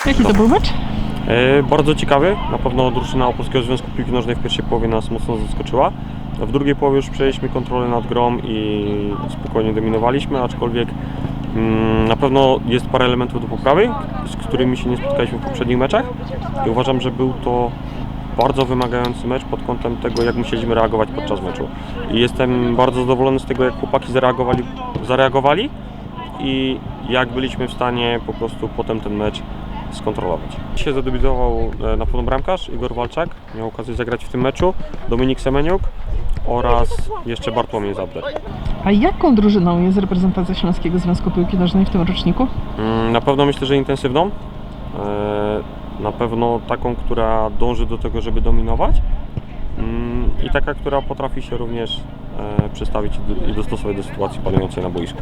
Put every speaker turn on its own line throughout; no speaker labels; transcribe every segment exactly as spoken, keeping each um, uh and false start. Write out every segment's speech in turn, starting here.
Jaki to był mecz?
E, bardzo ciekawy. Na pewno drużyna Opolskiego Związku Piłki Nożnej w pierwszej połowie nas mocno zaskoczyła. W drugiej połowie już przejęliśmy kontrolę nad grą i spokojnie dominowaliśmy, aczkolwiek mm, na pewno jest parę elementów do poprawy, z którymi się nie spotkaliśmy w poprzednich meczach i uważam, że był to bardzo wymagający mecz pod kątem tego, jak musieliśmy reagować podczas meczu. I jestem bardzo zadowolony z tego, jak chłopaki zareagowali, zareagowali i jak byliśmy w stanie po prostu potem ten mecz skontrolować. Dzisiaj zadebiutował na pewno bramkarz Igor Walczak, miał okazję zagrać w tym meczu, Dominik Semeniuk oraz jeszcze Bartłomiej Zabder.
A jaką drużyną jest reprezentacja Śląskiego Związku Piłki Nożnej w tym roczniku?
Na pewno myślę, że intensywną, na pewno taką, która dąży do tego, żeby dominować i taka, która potrafi się również przestawić i dostosować do sytuacji panującej na boisku.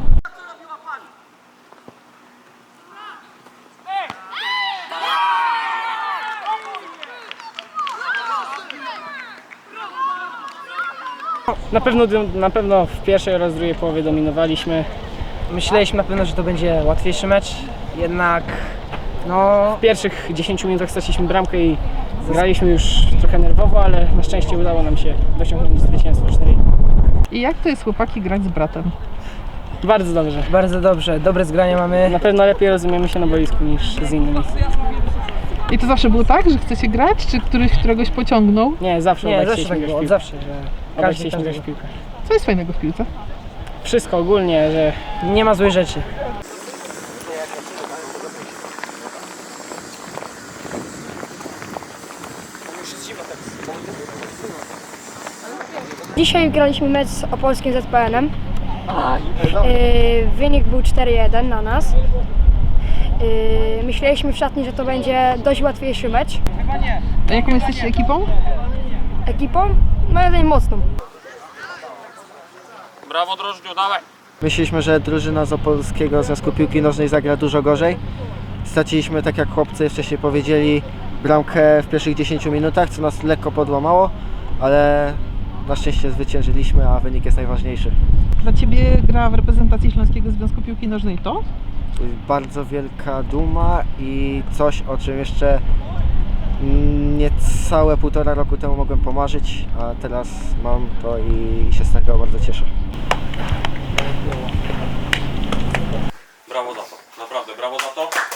Na pewno, na pewno w pierwszej oraz drugiej połowie dominowaliśmy.
Myśleliśmy na pewno, że to będzie łatwiejszy mecz, jednak no...
W pierwszych dziesięciu minutach straciliśmy bramkę i graliśmy już trochę nerwowo, ale na szczęście udało nam się dosiągnąć zwycięstwo cztery.
I jak to jest, chłopaki, grać z bratem?
Bardzo dobrze.
Bardzo dobrze, dobre zgranie mamy.
Na pewno lepiej rozumiemy się na boisku niż z innymi.
I to zawsze było tak, że chcecie grać, czy któryś któregoś pociągnął?
Nie, zawsze
Nie,
obaj
zawsze
chcieliśmy
tak
grać
było,
w
od
piłkę.
zawsze, że
Obaj
każdy
chcieliśmy grać w
każdego.
piłkę.
Co jest fajnego w piłce?
Wszystko ogólnie, że
Nie ma złych rzeczy.
Dzisiaj graliśmy mecz z Opolskim Z P N-em. Yy, wynik był cztery jeden na nas. Yy, myśleliśmy w szatni, że to będzie dość łatwiejszy mecz.
A jaką jesteście ekipą?
Ekipą? No jeden mocną.
Brawo Drożdżu, dawaj!
Myśleliśmy, że drużyna z Opolskiego Związku Piłki Nożnej zagra dużo gorzej. Straciliśmy, tak jak chłopcy wcześniej powiedzieli, bramkę w pierwszych dziesięciu minutach, co nas lekko podłamało, ale na szczęście zwyciężyliśmy, a wynik jest najważniejszy.
Dla Ciebie gra w reprezentacji Śląskiego Związku Piłki Nożnej to?
To jest bardzo wielka duma i coś, o czym jeszcze niecałe półtora roku temu mogłem pomarzyć, a teraz mam to i się z tego bardzo cieszę.
Brawo za to, naprawdę brawo za to.